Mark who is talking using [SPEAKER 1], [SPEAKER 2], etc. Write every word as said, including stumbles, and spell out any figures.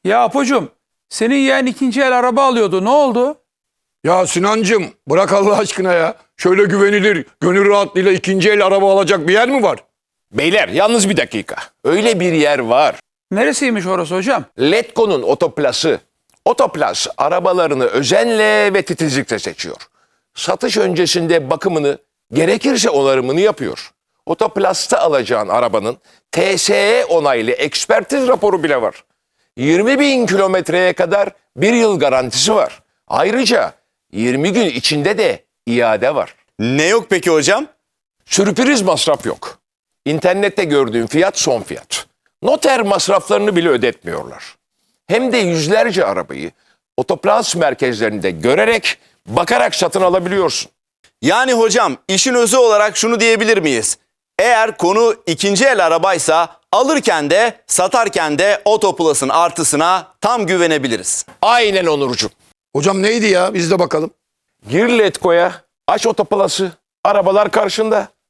[SPEAKER 1] Ya Apocuğum, senin yeğen ikinci el araba alıyordu. Ne oldu?
[SPEAKER 2] Ya Sinancım bırak Allah aşkına ya. Şöyle güvenilir, gönül rahatlığıyla ikinci el araba alacak bir yer mi var?
[SPEAKER 3] Beyler yalnız bir dakika. Öyle bir yer var.
[SPEAKER 1] Neresiymiş orası hocam?
[SPEAKER 3] Letgo'nun Otoplası. Otoplas arabalarını özenle ve titizlikle seçiyor. Satış öncesinde bakımını, gerekirse onarımını yapıyor. Otoplas'ta alacağın arabanın T S E onaylı ekspertiz raporu bile var. yirmi bin kilometreye kadar bir yıl garantisi var. Ayrıca yirmi gün içinde de iade var.
[SPEAKER 4] Ne yok peki hocam?
[SPEAKER 3] Sürpriz masraf yok. İnternette gördüğün fiyat son fiyat. Noter masraflarını bile ödetmiyorlar. Hem de yüzlerce arabayı Otoplas merkezlerinde görerek, bakarak satın alabiliyorsun.
[SPEAKER 4] Yani hocam işin özü olarak şunu diyebilir miyiz? Eğer konu ikinci el arabaysa alırken de satarken de Otoplas'ın artısına tam güvenebiliriz.
[SPEAKER 3] Aynen Onurcuğum.
[SPEAKER 2] Hocam neydi ya biz de bakalım.
[SPEAKER 3] Gir Letgo'ya, aç Otoplas'ı, arabalar karşında.